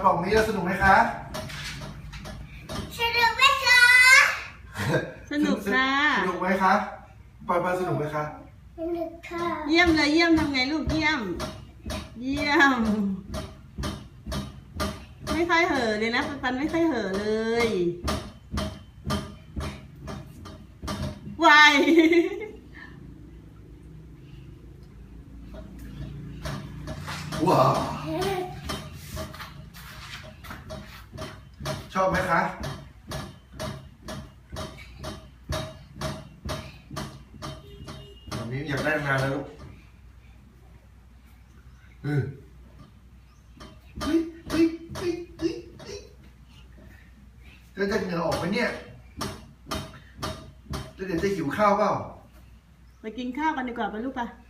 ล่องนี้สนุกไหมคะสนุกไหมคะสนุกค่ะสนุกไหมคะปอยสนุกไหมคะสนุกค่ะเยี่ยมเลยเยี่ยมทำไงลูกเยี่ยม เยี่ยม ไม่ค่อยเห่อเลยนะปันไม่ค่อยเห่อเลยวายว้าวชอบไหมคะวันนี้อยากได้งานแล้วลูกเฮ้ยเฮ้ยเฮ้ยเฮ้ยเฮ้ยเฮ้ยแล้วจะเหงื่อออกไหมเนี่ยแล้วเดี๋ยวจะหิวข้าวเปล่าไปกินข้าวกันดีกว่าไปลูกปะ